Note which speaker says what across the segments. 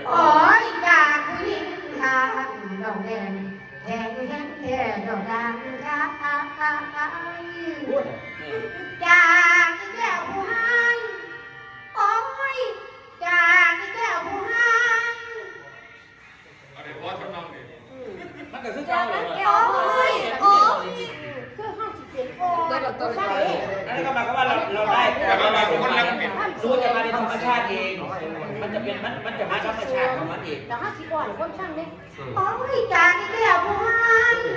Speaker 1: โอ้ยจากผู้หญิงทางดอกแดงแทงแทงแทงดอกดังค่ะจากแก้วผู้ให้โอ้ยจากแก้วผู้ให้
Speaker 2: อะไรพอทำนองนี่
Speaker 3: มันก็คือเก่าเลย
Speaker 1: โอ้ยโอ้ยคือห้องสิเสียงโอ้ยตัวใช่
Speaker 3: นั่นก็หมายความว่าเราได้รู้จะมาในธรรมชาติเองมันจะเป็นมันจะมาธรรมชาติของมันเอง
Speaker 1: แต่ห้าสิบก่อนคนช่างเนี่ยโอ้ยจากแก้วผู้ให้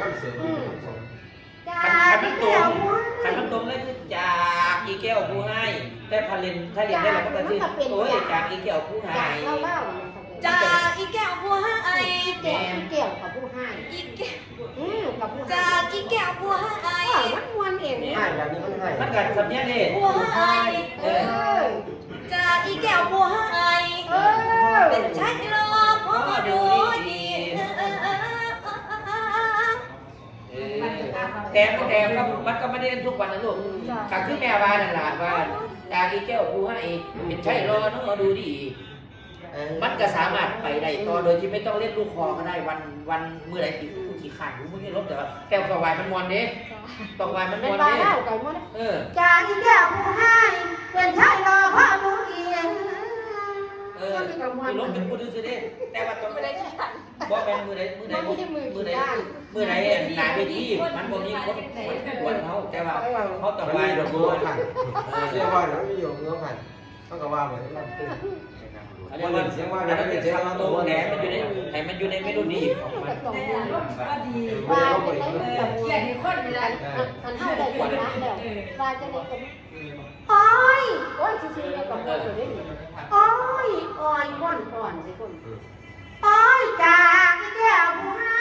Speaker 1: จากแก้วผู้ให้
Speaker 3: ขันมันตรงเลยคือจากอีแก้วผู้ให้แต่ถ้าเรียนได้เราก็จะชื่อโอ้ยจากอีแก้วผู้ให้
Speaker 4: จากอีแก้วบัวให้
Speaker 1: แก้วแก้วกับผู้ให้
Speaker 4: อีแก้ว
Speaker 1: กับผู้ให้
Speaker 4: จากอีแก้วบัวให้
Speaker 1: มันมวนเอง
Speaker 5: ให้แบบนี้มันให้
Speaker 3: มันกัดสำเนียงนี่
Speaker 4: บัวให้จากอีแก้วบัวให้เป็นชายรอพอดูดี
Speaker 3: แต่มันก็ไม่ได้เล่นทุกวันนะลูกขังที่แม่บ้านนั่นแหละว่าจากอีแก้วผู้ให้เป็นใช่รอน้องมาดูดีมันก็สามารถไปได้ต่อโดยที่ไม่ต้องเล่นลูกคอก็ได้วันเมื่อไรกี่ขันมึงไม่ลบแต่ว่าแก้วกวายมันมวนเด้ตกวายมันมวนเด้
Speaker 1: จากอีแก้วผู้ให้เป็นชายรอพ่อดูดี
Speaker 3: มีลบเป็นพูดดูสิเด้แต่ว่าต้อง
Speaker 4: ไม่ได้ที่ขัน
Speaker 3: บอกเป็นมือใดหนาเวทีมันบ่มีคนกวนเขาแต่ว่าเขาต้องวายดอกบัว
Speaker 5: เรียกว่าเดี๋ยวไม่อยู่เงื้อผ่านต้องกระว่าเหมือนกัน
Speaker 3: เรียกว่าเสียงว่ามันเป็นเสียงโตแหนมันอยู่ในให้มันอยู่ในเมโลดี้ของมัน
Speaker 4: ก็ดี
Speaker 1: ว่าเป็นแบบเขียนคนเลยอันเท่าใดคนละแล้วว่าจะได้คนโอ้ยโอ้ยซื่อๆกับคนอยู่ได้โอ้ยอ่อนก่อนสิคนโอ้ยจากแก้วผู้ให้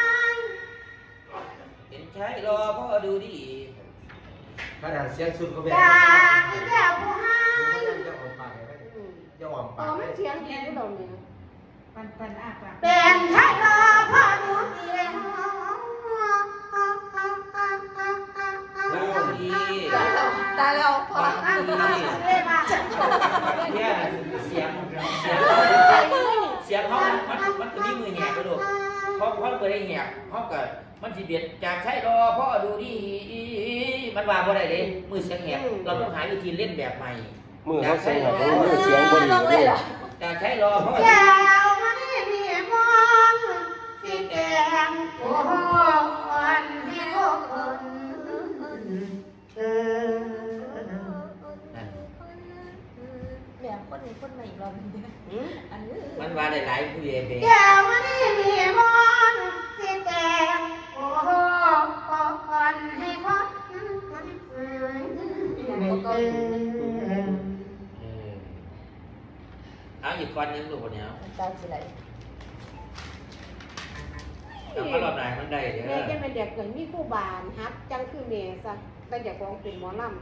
Speaker 3: เป็นใช้รอพ่อดูดี
Speaker 5: ขนาดเสียงสุดก็แบบ
Speaker 1: จากแก้วผู้ให้
Speaker 5: จะออกปากจะออก
Speaker 1: อ๋
Speaker 5: ปา
Speaker 1: อก มันเสียงดีก็โดนเนี่ย
Speaker 4: ปันอาปาก
Speaker 1: เป็นชายรอพ่อดูดี
Speaker 3: ดี
Speaker 4: ตายแล้วพอ
Speaker 3: ดี เนี่ยเสียงเขามันจะมีมือแหกไปดูเพราะเปิดได้แหกเขาเกิดมันสิเบียดจากใช้รอพ่อดูดีมันว่าบ่ได้เลยมือเสียงแหกเราต้องหาวิธีเล่นแบบใหม่
Speaker 5: มือเขาเสียงแบบมือเสียงบริ
Speaker 4: ลงเลยเหรอ
Speaker 3: จากใช้รอพ่อ
Speaker 1: แก้วมันมีมองสีแดงโอ้โหวันที่โลกคน
Speaker 4: แบบคนใหม่อีกรอบนึงอันนี้
Speaker 3: มันว่าได้หลายผู้ใหญ่เบ
Speaker 1: แก้วมันมีมองสีแดงโอ้โหวันที่โลก
Speaker 3: เอาอีกคนนึงลูกคนนี้
Speaker 4: ตายสิไร
Speaker 3: แต่มารอบไหนมันได้เด้อ
Speaker 1: แม่จะเป็นเด็กเหมือนมีคู่บานฮับจังคือเมย์ซะแต่อยากร้องเป็นหมอลำ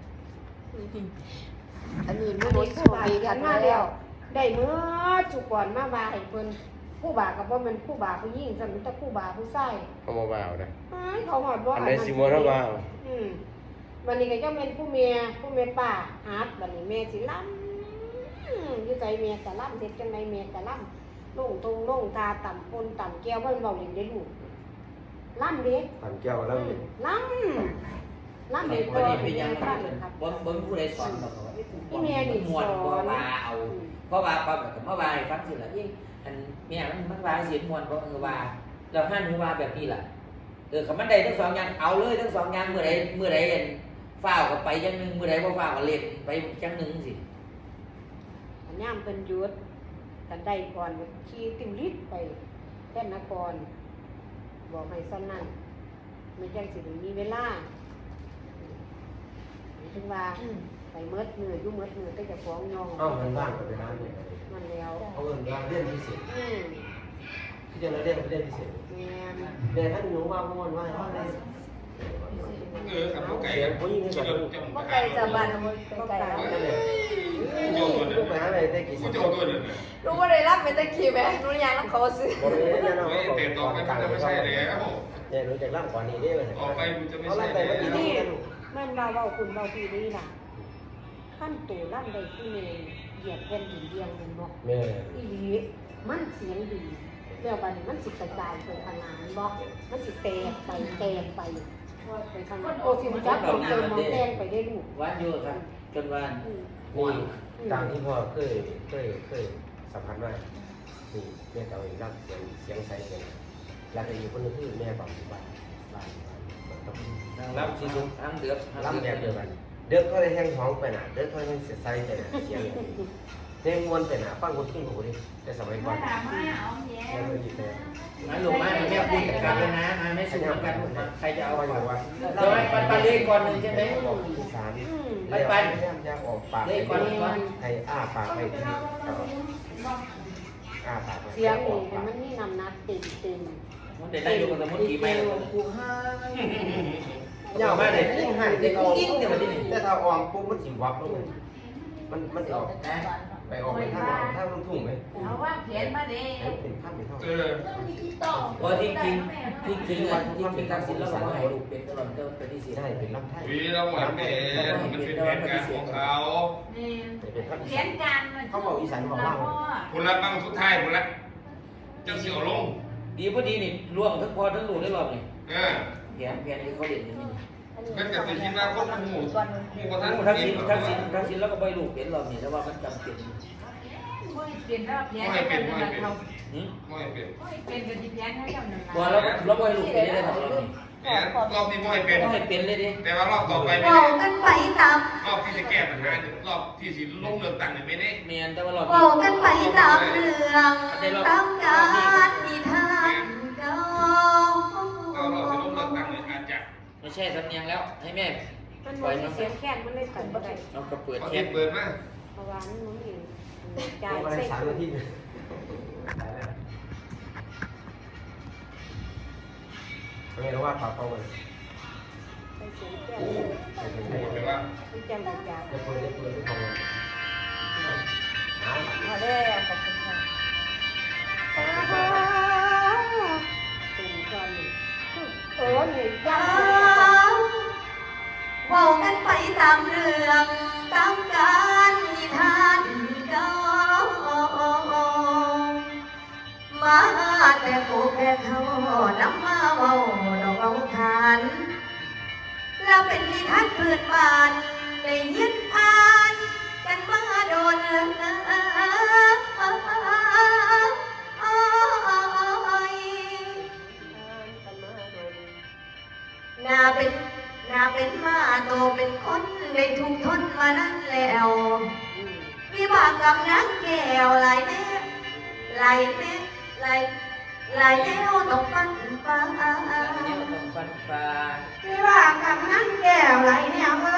Speaker 4: อันนี้
Speaker 1: อั
Speaker 4: ไม่
Speaker 1: น
Speaker 4: ได้
Speaker 1: นี้
Speaker 4: โช
Speaker 1: คู่
Speaker 4: ว์
Speaker 1: บา
Speaker 4: ดี
Speaker 1: กั
Speaker 4: กัน น
Speaker 1: มา
Speaker 4: มา
Speaker 1: แล้
Speaker 4: แล้ว ว
Speaker 1: ได้เมื่อจุก่อนมาว่าให้เพิ่นคู่บากับว่ามันคู่บาผู้หญิงสมิตคู่บาผู้ชาย
Speaker 5: เขามาบ่าวนะ
Speaker 1: เขาหอดว่า
Speaker 5: อันไหนซิมอนเขาบ่าว
Speaker 1: วันนี้ก็จะเป็นผู้เมียป่าฮับวันนี้แม่สิล่ำอยู่ใจเมียกะล่ำเด็ดจังไดเมียกะล่ำลงตรงลงตาต่ำปนต่ำแก้วเพิ่นเบาอย่างได้ลูกล่ำเด็ก
Speaker 5: ผ่านแก้วแล้ว
Speaker 1: ล่ำเด็ก
Speaker 3: วันนี้
Speaker 1: เป็
Speaker 3: เป็น น
Speaker 1: ยั
Speaker 3: ยัง ง
Speaker 1: ไงครับ
Speaker 3: บ่ผู้ใดสอนบอกว่าม่วนบ่ว่าเอาเพราะว่าปั๊บก็มาว่าให้ฟังสิล่ะอันแม่มันว่าเสียงม่วนบ่ว่าแล้วห้าหนูว่าแบบนี้ล่ะคำมันได้ทั้งสองอย่างเอาเลยทั้งสองอย่างเมื่อใดฟ้าวก็ไปอย่างนึงเมื่อใดบ่ฟ้าวก็เล่นไปอย่างนึงสิ
Speaker 1: อันย่ามเป็นยุทธกันได้ก่อนขี่ติวลิศไปแค่นครบอกให้ซ้ำนั่นไม่ใช่สิมีเวลาถึงว่าไปเมิดมือยุ่เมิดมือก็จะฟ้องยอง
Speaker 5: เอาเงินบ้านกับไปร้านเนี่ย
Speaker 1: มันแล้ว
Speaker 5: เอาเงินร้านเรียนพิเศษที่จะเรียนพิเศษ
Speaker 1: แม่
Speaker 5: เรียนท่านหนูว่าม่วนว่าอะไร
Speaker 2: ครับพวกไก่
Speaker 5: เสียงผู้หญิงนี่แบบ
Speaker 4: ว่าไก่จะบานไก่แล้ว
Speaker 5: นั่นเลยลูกไปหาอะไรได้กี่สิ
Speaker 2: ผู้
Speaker 5: บ
Speaker 2: โจตัวนึง
Speaker 4: รู้ว่าได้รับเป็นตะกี้ไหมรู้ยังต้องเขาซื้อ
Speaker 5: คนนี้เนี่ยเรา
Speaker 2: เตะต่อไปมันจะไม่ใช่แล้ว
Speaker 5: เนี่ยรู้จักร่างก่อนนี้ได้ไหม
Speaker 2: ออกไปมันจะไม่
Speaker 5: เขา
Speaker 2: ใช่
Speaker 5: ไล่ไป
Speaker 2: แล้ว
Speaker 5: เมื่อกี้นี่
Speaker 1: แม่นเราคุณเราพี่นี่ล่ะขั้นตู่ล่ำได้ที่เมย์เหยียบแผ่นดินเดียงมันบอก
Speaker 5: แม่
Speaker 1: อีหลีมันเสียงดีแล้วบัดนี้มันสิกระจายไปทางงานบอกมันสิแตกไปไปทางนั้นโอ้สิมันจับของเติมของแตงไปได้ลูก
Speaker 3: วันอยู่ครับจนวัน
Speaker 5: นี่ตามที่พ่อเคยสัมผัสมานี่แม่เต่าอีกรับเสียงใสเสียงแล้วก็อยู่คนนึงคือแม่บอกบ้าน
Speaker 3: รับสิสุทางเดือบ
Speaker 5: รับแบบเดียวกันเด็กก็ได้แห้งท้องไปน่ะเด็กก็ได้แห้งเสียใจไปน่ะเสียงเพลงมวนไปน่ะฟังคนขึ้นหูดิแต่สมัยก่อนไม่ดีเลย
Speaker 3: มาหลวงมาแม่คุยกันเลยนะมาไม่สู้กันใครจะเอา
Speaker 5: เอา
Speaker 3: ก่
Speaker 5: อ
Speaker 3: อน
Speaker 5: ยู่ว่า
Speaker 3: เดี๋ยวปันเลขก่อนหนึ่งใช่ไหม
Speaker 5: อีสาน
Speaker 3: ปัน
Speaker 5: อยากออกปาก
Speaker 3: เลขก่อนก่อน
Speaker 5: ให้อ้าปากให้ดีอ้าปาก
Speaker 1: เสียงนี่แต่มันนี่นำนัดเต็ม
Speaker 3: มันเด็ดได้อยู่กับสมุนกี่ใบ
Speaker 5: กูให้
Speaker 3: ยาวมากเลยเด็กกิ้งเนี่ยมันที่นี่
Speaker 5: แต่ถ้าออมปุ๊บมันสิวับลงเลยมันจะออกไปออกไปถ้ามันทุ่งไหม
Speaker 4: เอาว่าเขียนมาดิ
Speaker 5: เป็นข้ามเป็นเท่า
Speaker 3: พอที่จริงทักษิณแล้วเราให้ลูกเป็นตลอดเป็นที่สี่
Speaker 5: ได้เป็นลำไส้
Speaker 2: วีเราหมดเป็นมันเป็นแผนการของเขา
Speaker 4: นี่
Speaker 5: เป็นข้าม
Speaker 4: เขียนการ
Speaker 5: เขาบอกอีสานบอกว่า
Speaker 2: คุณรับบางสุดท้ายคุณรักเจ้าเสี่ยวลง
Speaker 3: ดีพอดีนี่ล่วงทั้งพอทั้งลูกได้รอบนี่ แผนที่เขาเด่นนี่
Speaker 2: มันจะเป็นที่ว่าคนหมู่ประธาน
Speaker 3: ทักษิณแล้วก็ไปลูกเป็นรอบนี่แต่ว่ามันจำเป็น
Speaker 4: ไม่เป็นแล้วเขียนกันนั่นเรา
Speaker 2: ไม่เป็น
Speaker 4: ไม่เป็นกันที่เขียนให้กันนั่น
Speaker 3: ว่าเราไปลูกเป็นได้ทำรอบนี้
Speaker 2: เนี่ยรอบนี้ไม่เป็น
Speaker 3: ต้องให้เป็นเลยดิ
Speaker 2: แต่ว่ารอบต่อไปไม่
Speaker 4: บอ
Speaker 2: ได้
Speaker 4: กกันไปตาม
Speaker 2: รอบที่จะแก้ปัญหารอบที่สิลงเลือกตั้งเนี่ยไม่ได้
Speaker 3: เมียนแต่ว่ารอบ
Speaker 4: บอกกันไปตามเรื่องตามการนิทานเก่า
Speaker 2: ก็รอบสิลงเลือกตั้งเนี่ยอาจจะ
Speaker 3: ไม่ใช่ทำเนียงแล้วให้แม่
Speaker 1: ๆมันมีเสียงแค้นมันเลยตัดบ่ได้
Speaker 3: เราก็เปิด
Speaker 2: พอ
Speaker 3: แค
Speaker 2: ที่
Speaker 3: ป
Speaker 2: เปิดมา
Speaker 1: เพราะว่ามันมีจ่า
Speaker 5: จ่าย ย
Speaker 1: ใส่
Speaker 5: 3 นาทีไม่รู้ว่าปากเขาเลย
Speaker 1: ใส่เสียงแค้น
Speaker 2: โอ้โห
Speaker 1: เลย
Speaker 2: โหเลยว่า
Speaker 1: มันจังบ่จ่าย
Speaker 5: จะเปิดที่เขาเลย
Speaker 4: พอแล้วขอบคุณค่ะ
Speaker 1: เป็นก่อนนี่นี่ยา
Speaker 4: บอกกันไปตามเรื่องตามการนิทานเก่ามาแต่กูแค่เขานำมาเว้าดอกเอาทานแล้วเป็นนิทานพื้นบ้านได้ยินอ่านกันมาโดนนาเป็นมาโตเป็นคนได้ถูกทนมานั้นแล้ววิบากกรรมนักแก้วหลายแน่หลายแน่หลายแนวต้องฟันฟ้า
Speaker 3: เนี่ยต้องฟันฟ้า
Speaker 1: ไม่ว่ากับนั้นแก้วไหลแนวว่า